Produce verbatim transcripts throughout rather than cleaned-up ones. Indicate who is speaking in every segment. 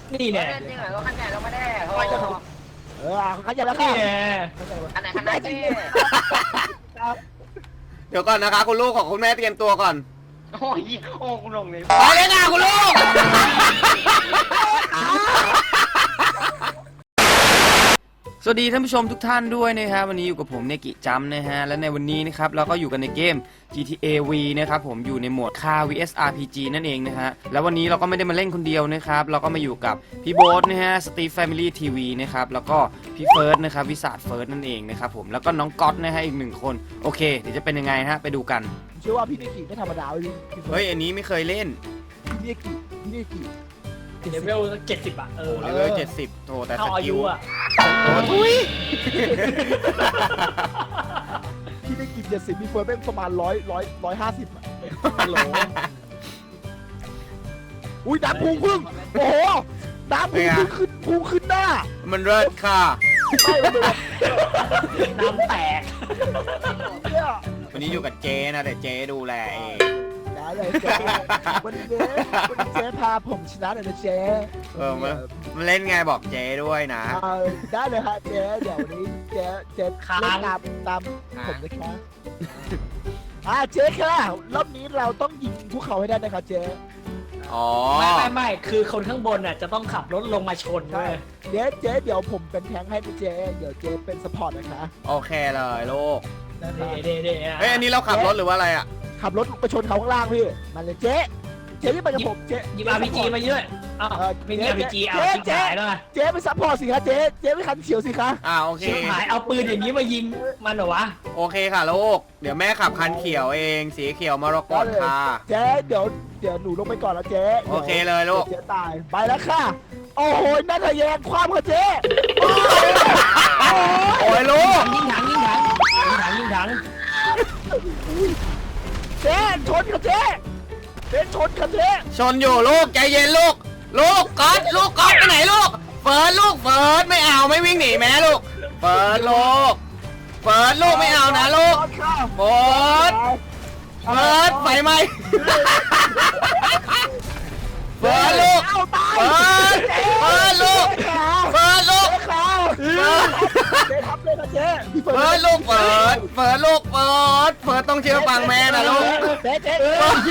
Speaker 1: นี่แน่
Speaker 2: จริงเหรอรถคันใหญ่เราไม่ได้โอ้
Speaker 3: เออเขาจะแล้วค่ะ
Speaker 1: นี่แน่
Speaker 2: คันไหนคันไหนพี่
Speaker 4: เดี๋ยวก่อนนะคะคุณลูกของคุณแม่เตรียมตัวก่อน
Speaker 2: โอ้ยโอ้คุณลงเลย
Speaker 4: ไปเลยค่ะคุณลูกสวัสดีท่านผู้ชมทุกท่านด้วยนะครับวันนี้อยู่กับผมเนกิจัมนะฮะและในวันนี้นะครับเราก็อยู่กันในเกม จี ที เอ วี นะครับผมอยู่ในโหมด Car วี เอส อาร์ พี จี นั่นเองนะฮะแล้ววันนี้เราก็ไม่ได้มาเล่นคนเดียวนะครับเราก็มาอยู่กับพี่โบ๊ทนะฮะสตีฟแฟมิลี่ทีวีนะครับแล้วก็พี่เฟิร์สนะครับวิสาดเฟิร์สนั่นเองนะครับผมแล้วก็น้องก๊อตนะฮะอีกหนึ่งคนโอเคเดี๋ยวจะเป็นยังไงฮะไปดูกัน
Speaker 3: เชื่อว่าพี่นิกิไม่ธรรมดาเลยพี่
Speaker 4: เฮ้ยอันนี้ไม่เคยเล่น
Speaker 3: พี่นิกิพี่นิกิ
Speaker 1: เลเวลเจ็ดสิบอ่ะเออ
Speaker 4: เลเวลเจ็ดสิบโถแต่ส
Speaker 1: เท่าอา
Speaker 4: กิ
Speaker 1: ยุ
Speaker 4: ล
Speaker 1: อ่ะ
Speaker 4: โอ้ทุย
Speaker 3: พี่นิกิเจ็ดสิบมีเฟิร์สเป็นประมาณร้อยร้อยร้อยห้าสิบอ่ะฮัลโหลอุ้ยน้ำพุงพึ่งโอ้โหน้ำพุงพึ่งขึ้นพุงขึ้นหน้า
Speaker 4: มันเลิศค่ะ
Speaker 3: ไม่เลย
Speaker 1: น้ำแตก
Speaker 3: เนี่ย
Speaker 4: วันนี้อยู่กับเจนะแต่เจดูแลเอง
Speaker 3: ได้เลยเจ๊วันนี้วันนี้เจ๊พาผมชนะเลยนะเจ๊
Speaker 4: เออมันมันเล่นไงบอกเจด้วยนะ
Speaker 3: เออได้เลยฮะเจ๊เดี๋ยววันนี้เจ๊เจ๊เล่นตามตามผมนะคะอ่าเจ๊ค่ะรอบนี้เราต้องยิงพวกเขาให้ได้นะครับเจ๊
Speaker 4: อ๋อ
Speaker 1: ไม่ไม่ไม่คือคนข้างบนอ่ะจะต้องขับรถลงมาชนด้วย
Speaker 3: เจ๊เจ๊เดี๋ยวผมเป็นแทงค์ให้นะเจ๊เดี๋ยวเจ๊เป็นสปอร์ตนะคะ
Speaker 4: โอเคเลยลูก
Speaker 3: นะครับ
Speaker 1: เด้เด้
Speaker 4: เฮ้ยอันนี้เราขับรถหรือว่าอะไรอ่ะ
Speaker 3: ขับรถไปชนเขาข้างล่างพี่มาเลยเจ๊เจ๊ที่ไปกับผมเจ๊
Speaker 1: ยิบอาร์พีจีมาเยอะอ้าวไม่มีอาร์พีจีเอาชิบหายแล้วไง
Speaker 3: เจ๊ไปซัพพอร์ตสิคะเจ๊เจ๊ไปคันเขียวสิคะ
Speaker 4: อ่าโอเค
Speaker 1: ชิบหายเอาปืนอย่างนี้มายิงมันเหรอวะ
Speaker 4: โอเคค่ะลูกเดี๋ยวแม่ขับคันเขียวเองสีเขียวมรกตค่ะ
Speaker 3: เจ๊เดี๋ยวเดี๋ยวหนูลงไปก่อนแล้วเจ๊
Speaker 4: โอเคเลยลูก
Speaker 3: เจ๊ตายไปแล้วค่ะโอ้โหนั่นทะแยงความค่ะเจ๊
Speaker 4: โอ้ยลูก
Speaker 1: ยิงถังยิงถังยิงถังยิงถัง
Speaker 3: เจ๊ชนค่ะเจ๊เจ๊ชนค่ะเจ๊
Speaker 4: ชนอยู่ลูกใจเย็นลูกลูกก๊อตลูกก๊อตไปไหนลูกเฟิร์สลูกเฟิร์สไม่เอาไม่วิ่งหนีแม่ลูกเฟิร์สลูกเฟิร์สลูกไม่เอานะลูกเฟิร์สเฟิร์สไฟไหมเฟิร์สลูก
Speaker 3: เอาตาย
Speaker 4: เฟิร์สเฟิร์สลูกเฟิร์สลูก
Speaker 3: เจ๊เจ๊ครับเลยค่ะเจ๊พี่
Speaker 4: เฟิร์สลูกเฟิร์สเฟิร์สลูกเฟิร์สเฟิร์สต้องเชื่อฟังแม่นะลูก
Speaker 3: เจ๊เจ๊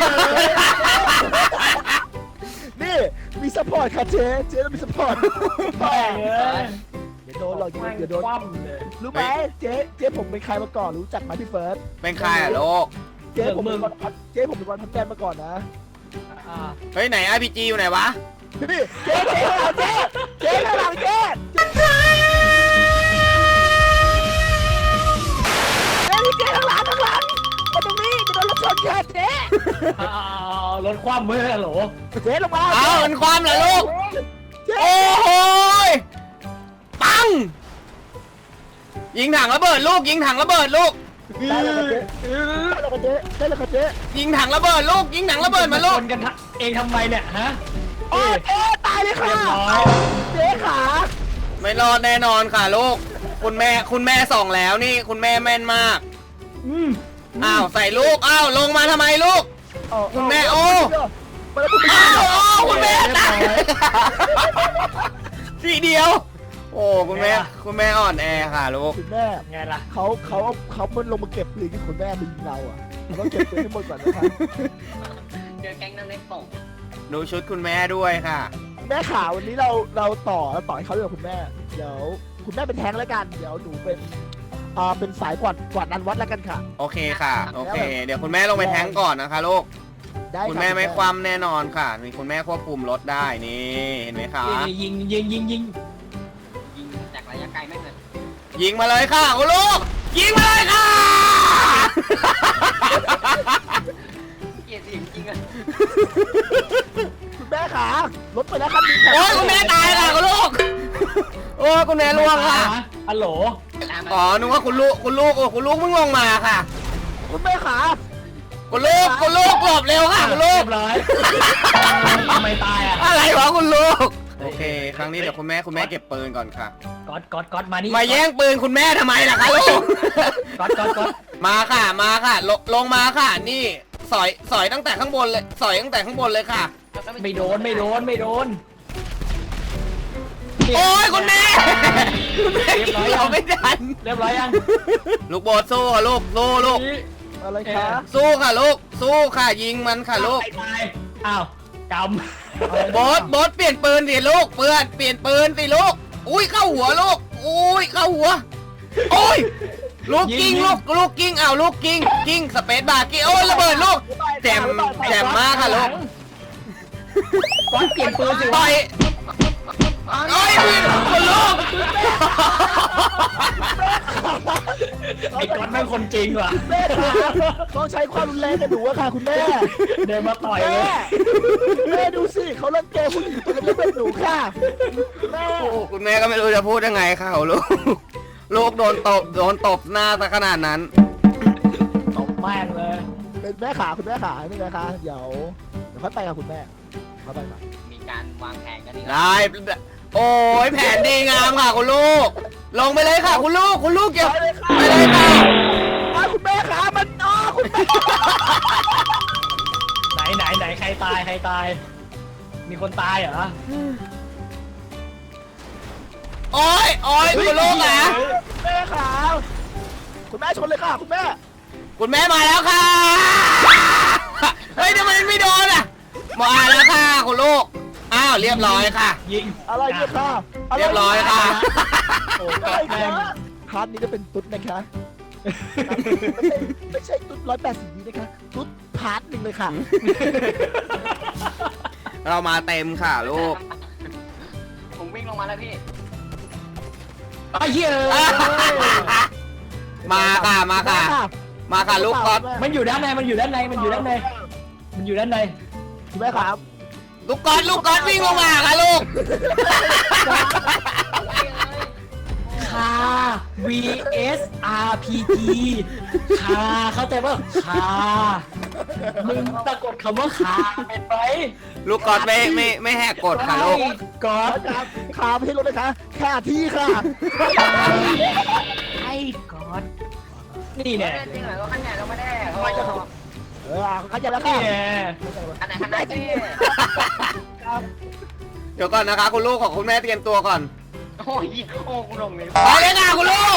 Speaker 3: นี่มีสปอร์ตค่ะเจ๊เจ๊ต้องมีสปอร์ต
Speaker 1: แม่งเอ้ย
Speaker 3: เดี๋ยวโดนหรอกเดี๋ยวโดน
Speaker 1: คว่ำเลย
Speaker 3: รู้ไหมเจ๊เจ๊ผมเป็นใครมาก่อนรู้จักไหมพี่เฟิร์ส
Speaker 4: เป็นใครอ่ะลูก
Speaker 3: เจ๊ผมเป็นวันพัดเจ๊ผมเป็นวันพัดแต้มมาก่อนนะ
Speaker 1: อ่า
Speaker 4: เฮ้ยไหน อาร์ พี จี อยู่ไหนวะ
Speaker 3: นี่เจ๊เจ๊ข้างหลังเจ๊เจ๊ข้างหลังเจ๊เจ๊เจ๊ข้างหลังข้างหลังมาตรงนี้จะโดนรถชนค่ะเจ๊
Speaker 1: เอารถคว่ำเมื่อโหล
Speaker 3: เจ๊ลงมา
Speaker 4: เอามันความเหรอลูก
Speaker 3: เจ๊
Speaker 4: โอ้โหยปังยิงถังระเบิดลูกยิงถังระเบิดลูก
Speaker 3: ได้แล้วค่ะเจ๊ได้แล้วค่ะเจ๊ได้แล้วค่ะเจ๊
Speaker 4: ยิงถังระเบิดลูกยิงถังระเบิดมาลูก
Speaker 1: ชนกันเองทำไมเนี่ยฮะ
Speaker 3: โอ้เจ๊ตายเลยค่ะ
Speaker 1: เรียบร้อย
Speaker 3: เจ๊ขา
Speaker 4: ไม่รอดแน่นอนค่ะลูกคุณแม่คุณแม่ส่องแล้วนี่คุณแม่แม่นมาก
Speaker 1: อืม
Speaker 4: อ้าวใส่ลูกอ้าวลงมาทำไมลูก คุณแม่โอ้
Speaker 3: มาแล้วคุณแม่
Speaker 4: อ้าวโอ้คุณแม่ตายทีเดียว โอ้คุณแม่คุณแม่อ่อนแอค่ะลูก
Speaker 3: คุณแม่
Speaker 1: ไงล่ะ
Speaker 3: เขาเขาเขามันลงมาเก็บปืนที่คุณแม่มายิงเราอ่ะเราต้องเก็บปืนให้หมดก่อนนะครับ
Speaker 2: เจอแก๊งนั่งเล่นส่ง
Speaker 4: ดูชุดคุณแม่ด้วยค่ะ
Speaker 3: แม่ขาวันนี้เราเราต่อเราต่อให้เขาด้วยคุณแม่เดี๋ยวคุณแม่เป็นแทงแล้วกันเดี๋ยวหนูเป็นอ่าเป็นสายกวาดกวาดนันวัดแล้วกันค่ะ
Speaker 4: โอเคค่ะโอเค เดี๋ยวคุณแม่ลงไปแทงก่อนนะคะลูก
Speaker 3: ได้
Speaker 4: คุณแม่ไม่คว่ำแน่นอนค่ะนี่คุณแม่ควบคุมรถได้นี่เห็นไหมคะ
Speaker 1: นี่ยิงยิงยิงยิง
Speaker 2: ยิงจากระยะไกลไม่เลย
Speaker 4: ยิงมาเลยค่ะคุณลูกยิงมาเลยค่ะ
Speaker 2: เกลียดจริงจริงอ่ะ
Speaker 3: คุณแม่ขารถไปแล้วคันนี้ค่ะ
Speaker 4: โอ้ยคุณแม่ตายค่ะคุณลูกโอ้ยคุณแม่ล่วงค่ะ
Speaker 1: ฮัลโหล
Speaker 4: อ๋อนึกว่าคุณลูกคุณลูกโอ้คุณลูกเพิ่งลงมาค่ะ
Speaker 3: คุณแม่ขา
Speaker 4: คุณลูกคุณลูกหลบเร็วค่ะคุณลูก
Speaker 1: เรียบร้อยทำไมตายอ่ะ
Speaker 4: อะไรวะคุณลูกโอเค ครั้งนี้เดี๋ยวคุณแม่คุณแม่เก็บปืนก่อนค่ะ
Speaker 1: ก๊อตก๊อตก๊อตมานี่
Speaker 4: มาแย่งปืนคุณแม่ทำไมล่ะคะลูก
Speaker 1: ก๊อตก๊อตก๊อต
Speaker 4: มาค่ะมาค่ะลงลงมาค่ะนี่สอยสอยตั้งแต่ข้างบนเลยสอยตั้งแต่ข้างบนเลยค่ะ
Speaker 1: ไม่โดนไม่โดนไม่โดน
Speaker 4: โอ้ยคุณแม่คุณแม่
Speaker 1: เรียบร้อย
Speaker 4: เรา
Speaker 1: ยัง
Speaker 4: ไม่ทัน
Speaker 1: เรียบร้อยยัง
Speaker 4: ลูกโบสสู้ค่ะลูกสู้ลูก
Speaker 3: อะไรคะ
Speaker 4: สู้ค่ะลูกสู้ค่ะยิงมันค่ะลูก
Speaker 1: ตายตายอ้าวก
Speaker 4: โบสโบสเปลี่ยนปืนสิลูกเพื่อนเปลี่ยนปืนสิลูกอุ้ยเข้าหัวลูกอุ้ยเข้าหัวโอ้ยลูกกิ้งลูกลูกกิ้งอ้าวลูกกิ้งกิ้งสเปซบาร์กิ้งโอ้ยระเบิดลูกแจ่มแจ่มมากค่ะลูก
Speaker 1: ำก้อนเปลี่ยนปืนสิ
Speaker 4: ต่อยโอ้ยพี่คนลูก
Speaker 1: ไอ้ก้อนแม่งคนจริงว่ะ
Speaker 3: แม่ขาเขาใช้ความรุนแรงกับหนูอะค่ะคุณแม่
Speaker 1: เดินมาต่อยเล
Speaker 3: แม่
Speaker 1: ย
Speaker 3: แม่ดูสิเขาเล่นเกมผู้หญิงตัวเล็กๆเป็นหนูค่ะแม่
Speaker 4: โอ้คุณแม่ก็ไม่รู้จะพูดยังไงค่ะลูกลูกโดนตบโดนตบหน้าซะขนาดนั้น
Speaker 1: ตบแม่งเลย
Speaker 3: เป็นแม่ขาคุณแม่ขานี่นะคะเดี๋ยวเดี๋ยวค่อยไปกับคุณแม่เขาไปมา
Speaker 2: มีการวางแผนกันดี
Speaker 4: ได้โอ้ยแผนดีงามค่ะคุณลูก ลงไปเลยค่ะคุณลูกคุณลูกเก็บ
Speaker 3: ไปเลยค่ะ
Speaker 4: ไปเลยค่ะ
Speaker 3: อ้าวคุณแม่ขามันอ๋อคุณแม่
Speaker 1: ไหนไหนไหนใครตายใครตาย มีคนตายเหรอ
Speaker 4: โอ้ยโอ้ยคุณลูกนะ
Speaker 3: แม่ขาคุณแม่ชนเลยค่ะคุณแม่
Speaker 4: คุณแม่มาแล้วค่ะเฮ้ยทำไมไม่โดนอ่ะมาแล้วค่ะคุณลูกอ้าวเรียบร้อยค่ะ
Speaker 1: ยิง
Speaker 3: อะไรเนี่ยค่ะะไ
Speaker 4: เรียบร้อยค่ะ
Speaker 1: โอ้
Speaker 3: อะไร
Speaker 1: แม่
Speaker 3: คะ
Speaker 1: ง
Speaker 3: พาร์ทนี้จะเป็นตุ๊ดนะคะไม่ใช่ไม่ใช่ตุ๊ดร้อยแปดสิบนี้นะคะตุ๊ดพาร์ทหนึ่งเลยค่ะ
Speaker 4: เรามาเต็มค่ะลูก
Speaker 2: ผมวิ่งลงมาแล้วพี่
Speaker 1: ไอ้เหี้ย
Speaker 4: มาค่ะมาค่ะมาค่ะลูกก๊อต
Speaker 1: มันอยู่ด้านในมันอยู่ด้านในมันอยู่ด้านในมันอยู่ด้านใน
Speaker 3: คุณแม่ครับ
Speaker 4: ลูกก๊อตลูกก๊อตวิ่งลงมาค่ะลูก
Speaker 1: คา วี เอส อาร์ พี จี คาเข้าใจป่ะคามึงสะกดคำว่าคาเป็นไหม
Speaker 4: ลูกก๊อตไม่ไม่ไม่แหกกฎค่ะลูก
Speaker 1: ก๊อ
Speaker 3: ขอ
Speaker 1: ด
Speaker 3: ครับขาไม่ใช่รถนะคะค่าที่ค่ะ
Speaker 1: ไอ้ก๊อดนี่แน่
Speaker 2: จริงเหรอก็ขันใหญ่เราไม่ได้
Speaker 3: ทำไมจะ เออเข้าใจแล้ว
Speaker 1: นี่
Speaker 3: ค่ะ
Speaker 1: แน่
Speaker 2: ขันไหนขันไหนพี่
Speaker 4: เดี๋ยวก่อนนะคะคุณลูกของคุณแม่เตรียมตัวก่อน
Speaker 2: โอ้ยโอ้กูลงเลย
Speaker 4: ไปเลยค่ะคุณลูก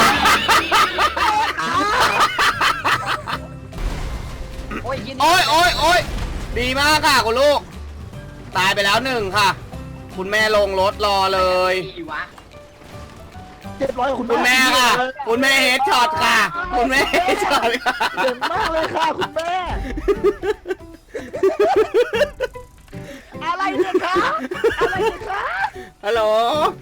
Speaker 2: โอ้ยยิน
Speaker 4: โอ้ยโอ้ยโอ้ยดีมากค่ะคุณลูก ตายไปแล้วหนึ่งค่ะ คุณแม่ลงรถรอเลย
Speaker 2: ดีวะ
Speaker 3: เจ็ดร้อยกับคุณ
Speaker 4: คุณ
Speaker 3: แม่
Speaker 4: แม่ค่ะ คุณแม่เฮดช็อตค่ะ คุณแม่เฮดช็อตค่ะ
Speaker 3: เก่งมากเลยค่ะคุณแม่ อะไรเนี่ยคะอะไรเนี่ยคะ
Speaker 4: ฮัลโหล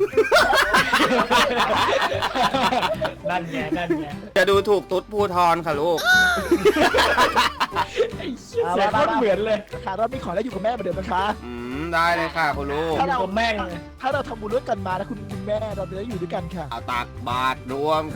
Speaker 1: นั่นไงนั่นไง
Speaker 4: จะดูถูกตุ๊ดภูทรค่ะลูก
Speaker 1: ไอ้เหี้ยเสียงโคตรเหมือนเลย
Speaker 3: ค่ะเรามีของแล้วอยู่กับแม่เหมือนเดิมนะคะ
Speaker 4: อืมได้เลยค่ะคุณลูก
Speaker 1: ถ้าเราแม่งเลย
Speaker 3: ถ้าเราทำบุญด้วยกันมานะคุณแม่เราจะได้อยู่ด้วยกันค่ะ
Speaker 4: เอาตักบาทรวม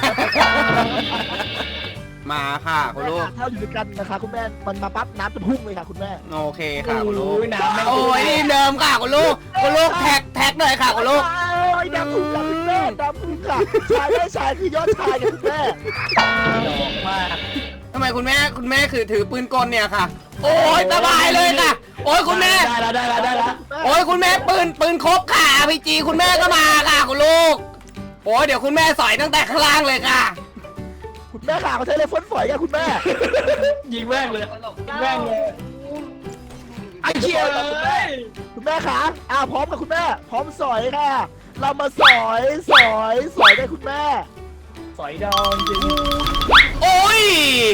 Speaker 4: มาค่ะคุณลูก
Speaker 3: ถ้าเราอยู่ด้วยกันนะคะคุณแม่มันมาปั๊บน้ำจะพุ่งเลยค่ะคุณแม่
Speaker 4: โอเคค่ะคุณลูก
Speaker 1: โอ้ยน้ำแม่ง
Speaker 4: โอ้ยทีมเดิมค่ะคุณลูก คุณลูกแท็กแท็กหน่อยค่ะคุณลูก
Speaker 3: โอ้ยดำพุ่งค่ะคุณแม่ดำพุ่งค่ะชายได้ชายคือยอดชายค่ะคุณแม่
Speaker 1: ดอกมาก
Speaker 4: ทำไมคุณแม่คุณแม่คือถือปืนกลเนี่ยค่ะ โอ้ยสบายเลยค่ะ โอ้ยคุณแม่
Speaker 1: ได้แล้วได้แล้วได้แล้ว
Speaker 4: โอ้ยคุณแม่ปืนปืนครบค่ะพีจีคุณแม่ก็มาค่ะคุณลูก โอ้ยเดี๋ยวคุณแม่สอยตั้งแต่ข้างล่างเลยค่ะ
Speaker 3: คุณแม่ขาเขาใช้เลยฝนฝอยค่ะคุณแม่
Speaker 1: ยิงแม่งเลย
Speaker 2: ตลก
Speaker 1: ยิงแม่งเลยไอ้เหี้ยเลย
Speaker 3: คุณแม่ขาอ่าพร้อมกับคุณแม่ พร้อมสอยค่ะ เรามาสอยสอยสอยได้คุณแม่
Speaker 1: สอยดองจริง
Speaker 4: โอ้ย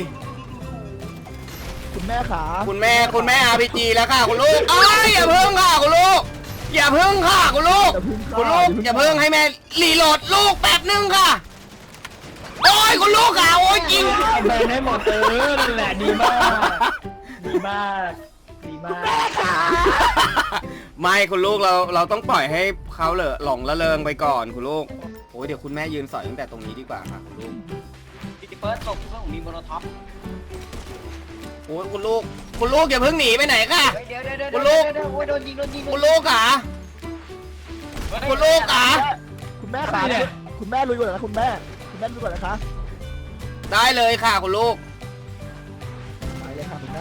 Speaker 3: คุณแม่ขา
Speaker 4: คุณแม่คุณแม่อาร์พีจีแล้วค่ะคุณลูกอ้ายอย่าเพิ่งค่ะคุณลูก อย่าเพิ่งค่ะคุณลูก คุณลูกอย่าเพิ่งให้แม่รีโหลดลูกแป๊บนึงค่ะ โอ้ยคุณลูกค่ะโอ้ยจริง
Speaker 1: เอาแบนให้หมดเออนั่นแหละดีมากดีมากดีมาก
Speaker 4: ไม่คุณลูกเราเราต้องปล่อยให้เขาเหลอหลงละเริงไปก่อนคุณลูกโอ้ยเดี๋ยวคุณแม่ยืนสอยตั้งแต่ตรงนี้ดีกว่าค่ะคุณลูก
Speaker 2: พี่เฟิร์สตกเพื่อนผมมีโมโนท็อป
Speaker 4: โอ้ยคุณลูก คุณลูกอย่าเพิ่งหนีไปไหนค่ะ
Speaker 2: เดี๋ยวเดี๋ยวเดี๋ยว
Speaker 4: คุณลูก
Speaker 2: เดี๋ยวโอ้ยโดนยิงโดนยิง
Speaker 4: คุณลูกค่ะคุณลูกค่ะ
Speaker 3: คุณแม่ขาคุณแม่ลุยก่อนนะคุณแม่ คุณแม่ลุยก่อนนะคะ
Speaker 4: ได้เลยค่ะคุณลูก
Speaker 3: ไปเลยค่ะคุณแม่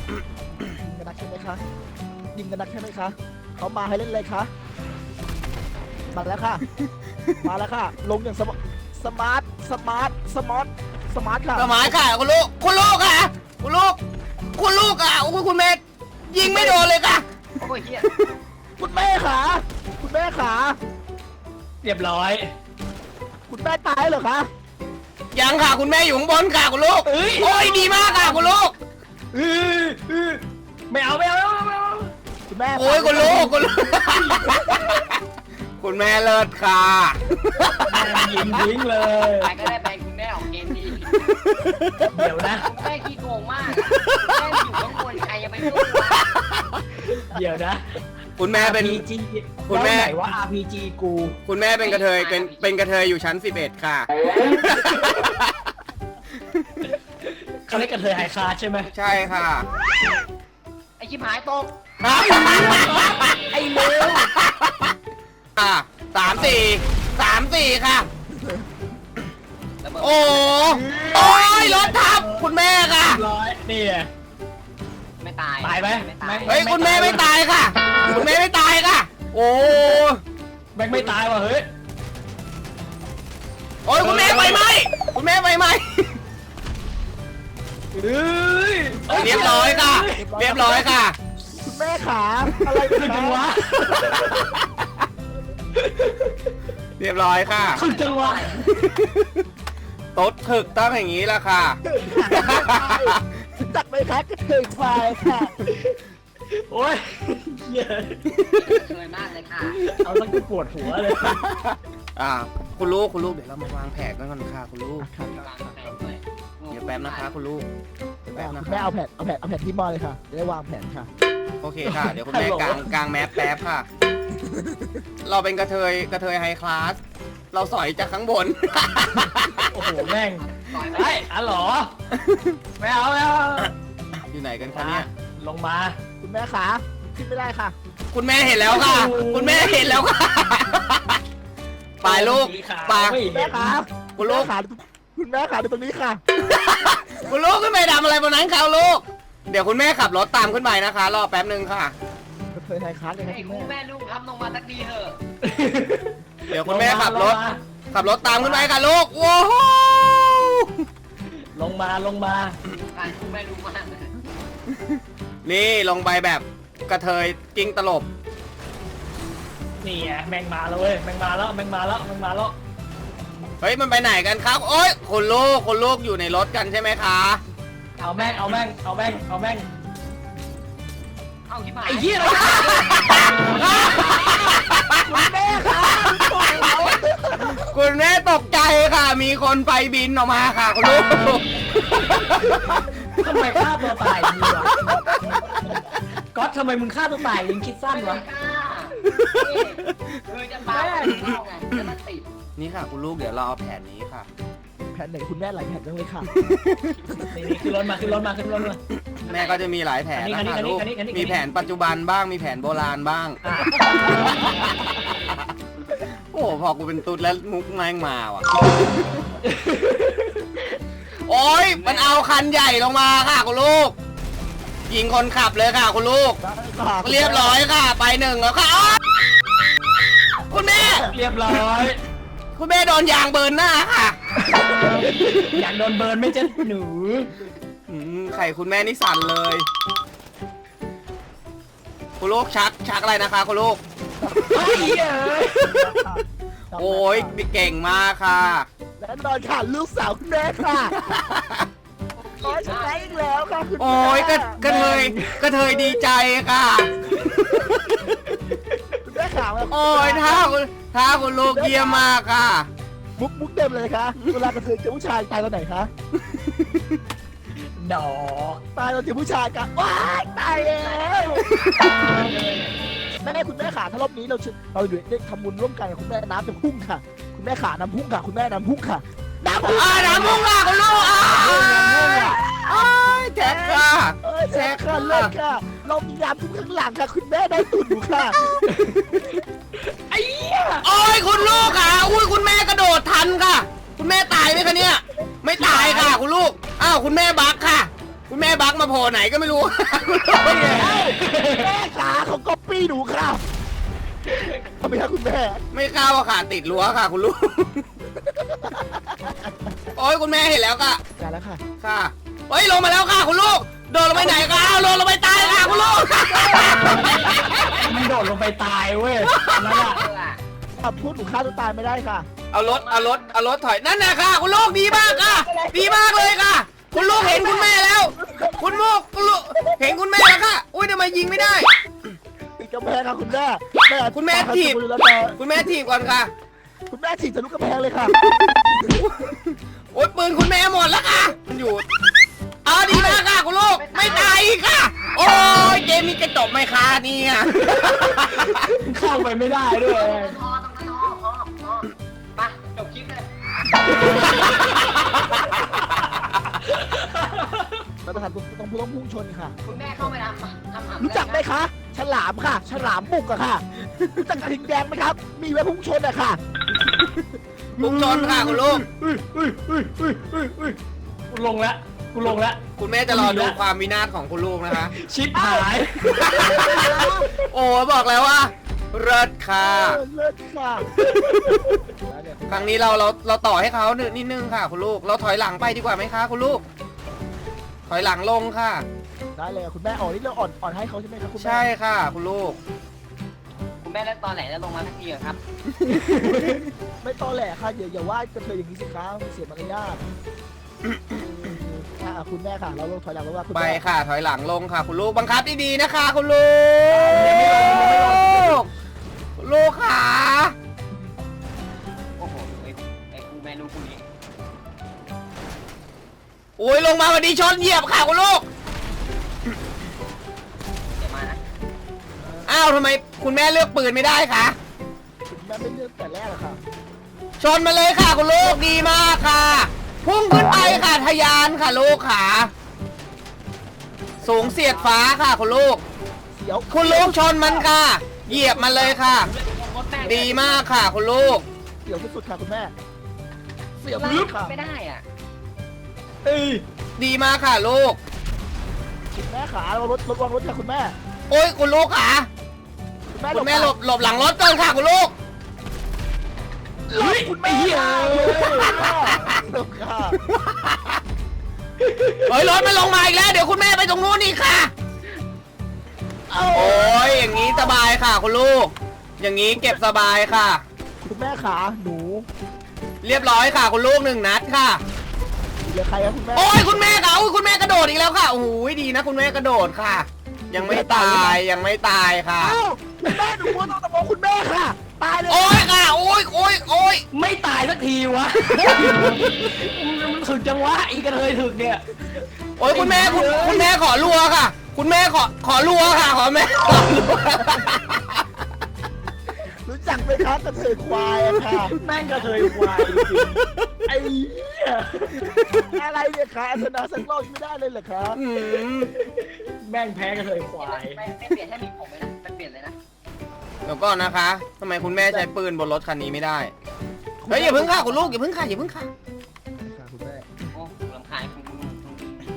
Speaker 3: ยิงกันนักใช่ไหมคะยิงกันนักใช่ไหมคะเขามาให้เล่นเลยคะมาแล้วค่ะ มาแล้วค่ะ ลงอย่างสมสมาร์ทสมาร์ทสมาร์ทสมาร์ทค่ะ
Speaker 4: สมัยค่ะคุณลูกคุณลูกค่ะคุณลูกคุณลูกอ่ะโอ้ยคุณแม่ยิงไม่โดนเลยค่ะ
Speaker 2: โอ้ยเฮีย
Speaker 3: คุณแม่ขาคุณแม่ขา
Speaker 1: เรียบร้อย
Speaker 3: คุณแม่ตายเหรอคะ
Speaker 4: ยังค่ะคุณแม่อยู่ข้างบนค่ะคุณลูก
Speaker 1: เอ้ย
Speaker 4: โอ้ยดีมากค่ะคุณลูก
Speaker 1: เออเออไม่เอาไม่เอาไม่เอาไม่เอา
Speaker 3: คุณแม่
Speaker 4: โอ้ยคุณลูกคุณลูก คุณแม่เลิศค่ะ
Speaker 1: แม่งยิงทิ้งเลย
Speaker 2: ไปก็ได้ไปคุณแม่ของเกมดี
Speaker 1: เดี๋ยวนะ
Speaker 2: คุณแม่ขี้โกงมากแม่อยู่ข้างบนใครจะไปสู้วะ
Speaker 1: เดี๋ยวนะ
Speaker 4: คุณแม่เป็น
Speaker 1: อาร์ พี จี
Speaker 4: คุณแม่
Speaker 1: แล้วไหนว่า อาร์ พี จี กู
Speaker 4: คุณแม่เป็นกระเทยเป็นเป็นกระเทยอยู่ชั้นสิบเอ็ดค่ะ
Speaker 1: เขาเรียกกันเทยไฮคลาสใช่ไหม
Speaker 4: ใช่ค่ะ
Speaker 2: ไอชิบหายตก
Speaker 1: ไอ้เลว
Speaker 4: อ่ะสามสี่สามสี่ค่ะ
Speaker 2: ระเบิด
Speaker 4: โอ้โอ้ยรถทับคุณแม่ค่ะ
Speaker 1: ร้อยนี่ไง
Speaker 2: ไม่ตาย
Speaker 1: ตายไหม
Speaker 2: ไม่ตาย
Speaker 4: เฮ้ยคุณแม่ไม่ตายค่ะ คุณแม่ไม่ตายค่ะ โอ้
Speaker 1: แม่งไม่ตายว่ะเฮ้ย
Speaker 4: โอ้ยคุณแม่ไฟไหม้คุณแม่ไฟไหม้
Speaker 1: เฮ้ย
Speaker 4: เรียบร้อยค่ะ เรียบร้อยค่ะ
Speaker 3: คุณแม่ขาอะไร
Speaker 1: ขึ้น
Speaker 3: กั
Speaker 1: จั
Speaker 3: น
Speaker 1: ง
Speaker 3: วะ
Speaker 1: วะ
Speaker 4: เรียบร้อยค่ะ
Speaker 1: ขึ้นจังวะ
Speaker 4: โต๊ดถึกต้องอย่างนี้ละค่ะ
Speaker 3: จัดไปคะกระเทยควายค่ะ
Speaker 1: โอ้ยเหี้ย
Speaker 2: สวยมากเลยค่ะ
Speaker 1: เอาสักกูปวดหัวเลย
Speaker 4: อ่า คุณลูกคุณลูกเดี๋ยวเรามาวางแผนกันก่อนค่ะคุณลูก
Speaker 2: กำลังแข่งด้วย
Speaker 4: เดี๋ยวแป๊บนะคะคุณลูกเดี๋ยวแป๊บนะ
Speaker 3: คุณ
Speaker 4: คะ
Speaker 3: แม่เอาแผ่นเอาแผ่นเอาแผ่นที่มอเลยค่ะจะได้วางแผนค่ะ
Speaker 4: โอเคค่ะ เดี๋ยวคุณแม่กลางกลางแมปแป๊บค่ะ เราเป็นกระเทยกระเทยไฮคลาส เราสอยจากข้างบน
Speaker 1: โอ้โหแม่ง
Speaker 2: ต่อยไหม
Speaker 1: ไอ้อ๋อเหรอไม่เอาไม่เอา
Speaker 4: อยู่ไหนกันคะเนี่ย
Speaker 1: ลงมา
Speaker 3: คุณแม่ขาขึ้นไม่ได้ค่ะ
Speaker 4: คุณแม่เห็นแล้วค่ะ คุณแม่เห็นแล้วค่ะ ไปลูก
Speaker 1: สีขาว
Speaker 4: ไป
Speaker 1: ไม่
Speaker 3: คุณแม่
Speaker 1: เห็น
Speaker 3: ขา
Speaker 4: คุณลูก
Speaker 3: ณแม่ขาคุณแม่ขาดูตรงนี้ค่ะ
Speaker 4: คุณลูกขึ้นไปทำอะไรบนนั้นคะลูก เดี๋ยวคุณแม่ขับรถตามขึ้นไปนะคะ รอแป๊บหนึ่งค่ะ
Speaker 3: กระเทยไทยคัสเลยค่ะ
Speaker 2: ไอ้
Speaker 3: คุณ
Speaker 2: คู่
Speaker 3: แม่
Speaker 2: แม่ลูกทำลงมาสักทีเถอะ
Speaker 4: เดี๋ยวคุณแม่ขับรถ
Speaker 1: ลงมา
Speaker 4: ขับรถตามขึ้นไปค่ะลูก ว้าว
Speaker 1: ลงมาลงมา
Speaker 2: การคู่แม่ลูกมาก
Speaker 4: นี่ลงไปแบบกระเทยกิ้งตลบ
Speaker 1: นี่ไงแม่งมาแล้วเว้ยแม่งมาแล้วแม่งมาแล้วแม่งมาแล้ว
Speaker 4: เฮ้ยมันไปไหนกันครับ โอ๊ยคุณลูกคุณลูกอยู่ในรถกันใช่ไหมคะ
Speaker 1: เอาแม่งเอาแม่งเอาแม่งเอาแม่ง
Speaker 2: เอาชิบหาย
Speaker 1: ไอ้เหี้ยอะไร
Speaker 3: คุณแม่ขาปล่อยเรา
Speaker 4: คุณแม่ตกใจค่ะ มีคนไฟบินออกมาค่ะ คุณลูก
Speaker 1: ทำไมฆ่าตัวตายดีวะก๊อตทำไมมึงฆ่าตัวตายยิงคิดสั้นวะ
Speaker 2: คือจะเปล่าเข้าไงจะมาติด
Speaker 4: นี่ค่ะ คุณลูกเดี๋ยวเราเอาแผนนี้ค่ะ
Speaker 3: แผ่นไหนคุณแม่หลายแผ่นจังเลยค่ะ
Speaker 1: นี่นี่ขึ้นรถมาขึ้นรถมาขึ้นรถมา
Speaker 4: แม่ก็จะมีหลายแผน
Speaker 1: อันนี้
Speaker 4: นะ
Speaker 1: อั
Speaker 4: คะ
Speaker 1: นนี้
Speaker 4: ลูก
Speaker 1: อันนี้อันนี้
Speaker 4: มีแผนปัจจุบันบ้างมีแผนโบราณบ้าง
Speaker 1: อ่ะ
Speaker 4: โอ้โหพอกูเป็นตุ๊ดแล้วมุกแม่งมาว่ะ โอ้ยมันเอาคันใหญ่ลงมาค่ะคุณลูก ยิงคนขับเลยค่ะคุณลูก เรียบร้อยค่ะ ไปหนึ่งแล้วค่ะอ้าวคุณแม่
Speaker 1: เรียบร้อย
Speaker 4: คุณแม่โดนยางเบิร์นหน้าค่ะ
Speaker 1: อยากโดนเบิร์นไหม่เจ๊หนู
Speaker 4: อืมไข่คุณแม่นี่สั่นเลย คุณลูกชักชักอะไรนะคะคุณลูก
Speaker 1: ไอ้เหี้ยเอ้ย
Speaker 4: โอ้ยเก่งมากค่ะ
Speaker 3: แน่นอนค่ะลูกสาวคุณแม่ค่ะโอ้ยชนะอีกแล้วค่ะคุณแม่
Speaker 4: โอ้ยกระกระเทยกระเทยดีใจค่ะ
Speaker 3: คุณแม่ขามา
Speaker 4: โอ้ยท่าคุณท่าคุณลูกเยี่ยมมากค่ะ
Speaker 3: มุกมุกเต็มเลยค่ะเวลากระเทยเจอผู้ชายตายตอนไหนคะ
Speaker 1: ดอก
Speaker 3: ตายตอนเจอผู้ชายกันว้ายตายแล้วแม่คุณแม่ขาถ้ารอบนี้เราเราอยู่ได้ทำบุญร่วมกันกับคุณแม่น้ำจะพุ่งค่ะ คุณแม่ขาน้ำพุ่งค่ะ คุณแม่น้ำพุ่งค่ะน้ำพุ่ง
Speaker 4: อ่าน้ำมุ่งค่ะคุณลูกอ่าอ้ายแจ็คค่ะ
Speaker 3: เอ้ยแซ่ค่ะเลิศค่ะ เรามีน้ำพุ่งข้างหลังค่ะ คุณแม่ได้ตุ่นอยู่ค่ะ
Speaker 1: ไอ้เหี้ย
Speaker 4: โอ้ยคุณลูกค่ะอุ้ยคุณแม่กระโดดทันค่ะ คุณแม่ตายไหมคะเนี่ยไม่ตายค่ะคุณลูกอ้าวคุณแม่บักค่ะ คุณแม่บักมาโผล่ไหนก็ไม่รู้ คุณลูก
Speaker 3: แม่ขาเขาก็ปี้หนูค่ะไหมครับคุณแม่
Speaker 4: ไม่เข้าอะค่ะติดรั้วค่ะคุณลูก โอ้ยคุณแม่เห็นแล้วค่ะ
Speaker 3: จ่ายแล้วค่ะ
Speaker 4: ค่ะเฮ้ยลงมาแล้วค่ะคุณลูกโดดลงไปไหนคะอ้าวลงลงไปตายค่ะคุณลูก
Speaker 1: มันโดดลงไปตายเว้ยนั่นแหละ
Speaker 2: เออ
Speaker 3: อ่ะพูดหนูฆ่าตัวตายไม่ได้ค่ะ
Speaker 4: เอารถเอารถเอารถถอยนั่นนะค่ะคุณลูกดีมากค่ะ ดีมากเลยค่ะ คุณลูกเห็นคุณแม่แล้ว คุณลูกคุณลูกเห็นคุณแม่แล้วค่ะอุ้ยทำไมยิงไม่ได้
Speaker 3: ติดกำแพงค่ะคุณแม่แม่
Speaker 4: คุณแม่ถีบ
Speaker 3: แล้วแต่
Speaker 4: คุณแม่ถีบก่อนค่ะ
Speaker 3: คุณแม่ถีบทะลุกำแพงเลยค่ะ
Speaker 4: โอ๊ยปืนคุณแม่หมดแล้วค่ะมันอยู่เอาดีมากค่ะคุณลูกไม่ตายอีกค่ะ โอ้ยเกมนี้จะจบไหมคะเนี่ย
Speaker 1: เข้าไปไม่ได้ด้วย
Speaker 2: พอตรงนั้นพอพอพอไปจบคลิปเลย
Speaker 3: เราต้องต้องต้องพุ่งชนค่ะ
Speaker 2: คุณแม่เข้าไปทำทำหำ
Speaker 3: รู้จักไหมคะ ฉลามค่ะ ฉลามบุกอะค่ะ รู้จักกระทิงแดงไหมครับ มีไว้พุ่งชนอะค่ะ
Speaker 4: พุ่งชนค่ะคุณลูก
Speaker 1: อุ้ยอุ้ยอุ้ยอุ้ยอุ้ยอุ้ยกูลงแล้วกูลงแล้ว
Speaker 4: คุณแม่จะรอดูความวินาศของคุณลูกนะคะ
Speaker 1: ชิปหาย
Speaker 4: โอ้บอกแล้วว่าเลิศค่ะ
Speaker 3: เออเลิศค่ะ
Speaker 4: ครั้งนี้เราเราเราต่อให้เขาหนึ่งนิดนึงค่ะ คุณลูก เราถอยหลังไปดีกว่าไหมคะคุณลูก ถอยหลังลงค่ะ
Speaker 3: ได้เลยคุณแม่อ่อนนี่เราอ่อนอ่อนให้เขาใช่ไหมครับคุณแม่
Speaker 4: ใช่ค่ะ คุณลูก
Speaker 2: คุณแม่เล่นตอนไหนแล้วลงมาทักทีเหรอครับ
Speaker 3: ไม่ตอแหลค่ะอย่าอย่าว่ากระเทยอย่างนี้สิคะมันเสียมารยาทอ่ะคุณแม่ค่ะ เราลงถอยหลังแล้วว่าคุณ
Speaker 4: ไป
Speaker 3: แม่
Speaker 4: ค่ะ ถอยหลังลงค่ะ คุณลูกบังคับดีๆนะคะ คุณลูกคุณลูกค่ะ
Speaker 2: โอ้โหไอ้ไอ้คู่แม่ลูกคู่นี้
Speaker 4: โอ้ยลงมาวันดีชนเหยียบค่ะคุณลูก
Speaker 2: เดี๋ยวมานะ
Speaker 4: อ้าวทำไมคุณแม่เลือกปืนไม่ได้คะ
Speaker 3: คุณแม่ไม่เลือกแต่แรกอะค่ะ
Speaker 4: ชนมาเลยค่ะคุณลูกดีมากค่ะ พุ่งขึ้นไปค่ะทะยานค่ะลูกค่ะ สูงเสียดฟ้าค่ะคุณลูก
Speaker 3: เสียว
Speaker 4: คุณลูกชนมันค่ะ เหยียบมันเลยค่ะ
Speaker 2: รถแม่
Speaker 4: ดีมากค่ะคุณลูก
Speaker 3: เสียวที่สุดค่ะคุณแม่ เสียว
Speaker 2: ไล่
Speaker 3: ที่สุดค่ะ
Speaker 2: ไม่ได้อ่ะ
Speaker 1: เอ้ย
Speaker 4: ดีมากค่ะลูก
Speaker 3: คุณแม่ขาเรารถรถวางรถค่ะคุณแม่
Speaker 4: โอ้ยคุณลูกค่ะ
Speaker 3: คุณแม่
Speaker 4: คุณแม่หลบหลบหลังรถก่อนค่ะคุณลูก
Speaker 3: หลบคุณแม่ค่ะหลบค่ะ
Speaker 4: เฮ้ยรถมันลงมาอีกแล้วเดี๋ยวคุณแม่ไปตรงนู้นอีกค่ะ
Speaker 3: เอา
Speaker 4: โอ้ยอย่างนี้สบายค่ะคุณลูก อย่างนี้เก็บสบายค่ะ
Speaker 3: คุณแม่ขาหนู
Speaker 4: เรียบร้อยค่ะ คุณลูกหนึ่งนัดค่ะ
Speaker 3: เหลือใครครับคุณแม่
Speaker 4: โอ้ยคุณแม่ค่ะอุ้ยคุณแม่กระโดดอีกแล้วค่ะโอ้โหดีนะคุณแม่กระโดดค่ะ ยังไม่ตายยังไม่ตายค่ะ
Speaker 3: เอ้าคุณแม่หนูมัวต้องตะโกนคุณแม่ค่ะ ตายเลย
Speaker 4: โอ้ยค่ะโอ้ยโอ้ยโอ้ย
Speaker 1: ไม่ตายสักทีวะ มันถึกจังวะอีกระเทยถึกเนี่ย
Speaker 4: โอ้ยคุณแม่คุณคุณแม่ขอรัวค่ะ คุณแม่ขอขอรัวค่ะขอแม่ขอรัว
Speaker 3: รู้จักไหมครับกระเทยควายอะค่ะ
Speaker 1: แม่งกระเทยควายจริงๆไอ้เหี้ย
Speaker 3: อะไรเนี่ยคะชนะสักรอบไม่ได้เลยเหรอครับ
Speaker 4: อืม
Speaker 1: แม่งแพ้กระเทยควาย
Speaker 2: ไม่ไม่เปลี่ยนให้มีผมเลยนะมันเปลี่ยนเลยนะ
Speaker 4: เดี๋ยวก่อนนะคะทำไมคุณแม่ใช้ปืนบนรถคันนี้ไม่ได้เฮ้ยอย่าเพิ่งค่ะคุณลูกอย่าเพิ่งค่ะอย่าเพิ่งค่ะ
Speaker 3: ค่ะคุณแม่
Speaker 2: โอ้ลำคาญคุณคุณคุณ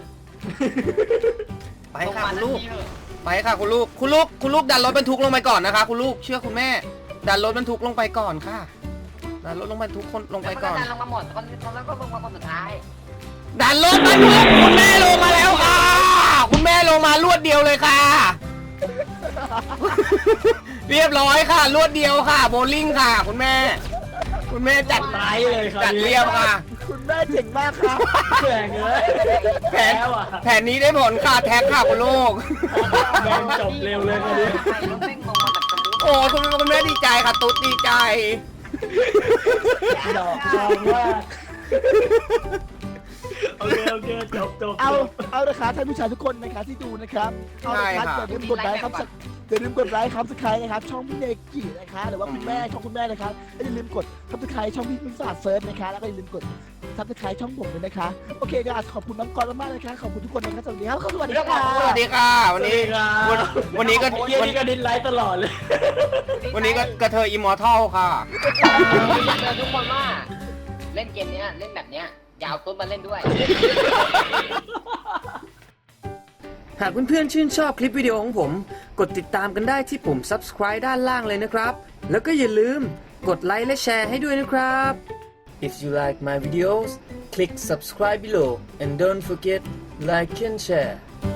Speaker 4: ไปค่ะคุณลูก
Speaker 2: ลงมาทันทีเถอะ
Speaker 4: ไปค่ะคุณลูกคุณลูกคุณลูกดันรถบรรทุกลงไปก่อนนะคะ คุณลูกเชื่อคุณแม่ ดันรถบรรทุกลงไปก่อนค่ะดันรถลงบรรทุกคนลงไปก่อน
Speaker 2: แล้วก็ดันลงมาหมดคนคนแล้วก็ลงมาคนสุดท้าย
Speaker 4: ดันรถบรรทุกคุณแม่ลงมาแล้วค่ะ คุณแม่ลงมารวดเดียวเลยค่ะ เรียบร้อยค่ะ รวดเดียวค่ะโบลิ่งค่ะ คุณแม่ คุณแม่จัด
Speaker 1: ตายเลยครับ
Speaker 4: จัดเรียบค่ะ
Speaker 3: คุณแม่เจ๋งมากครับ
Speaker 1: แข่งเลย
Speaker 4: แผน
Speaker 1: แล้วอ่ะ
Speaker 4: แผนนี้ได้ผลค่ะแท็กค่ะคุณลูก
Speaker 1: แม่งจบเร็วเลยกันดิ
Speaker 2: ไปรถแม่งลงมาแบบสมูท
Speaker 4: โอ้คุณคุณแม่ดีใจค่ะ ตุ๊ดดีใจ
Speaker 1: ดอกจองว่าโอเคโอเคจบจบ
Speaker 3: เอาเอาละครับท่านผู้ชายทุกคนนะครับที่ดูนะครับเอาละครับ
Speaker 4: ใช่ครับ
Speaker 3: อย่าลืมกดไลค์ครับอย่าลืมกดไลค์ครับสไครต์นะครับช่องพี่เนกินะคะหรือว่าคุณแม่ช่องคุณแม่นะครับและอย่าลืมกดซับสไครต์ช่องพี่มิสาเซิร์ฟนะคะแล้วก็อย่าลืมกดซับสไครต์ช่องผมด้วยนะคะโอเคครับขอบคุณน้องกรณ์มากๆนะคะขอบคุณทุกคนนะครับสวัสดีครับสวัสดีครับ
Speaker 4: สวัสดีค่ะ วันนี้วันวันนี้ก็
Speaker 1: เยี่ย
Speaker 4: วัน
Speaker 1: นี่ก็ดินไลท์ตลอดเลย
Speaker 4: วันนี้ก็กระเทยอิมมอร์ทัลค่ะ
Speaker 2: เจอทุกคนว่าเล่นเกมเนี้ยเล่นแบบเนี้ยอยาวต้นมาเล่นด้วย
Speaker 5: หากเพื่อนๆชื่นชอบคลิปวิดีโอของผม กดติดตามกันได้ที่ปุ่ม ซับสไครบ์ ด้านล่างเลยนะครับ
Speaker 4: แล้วก็อย่าลืมกดไลค์และแชร์ให้ด้วยนะครับ If you like my videos click subscribe below and don't forget like and share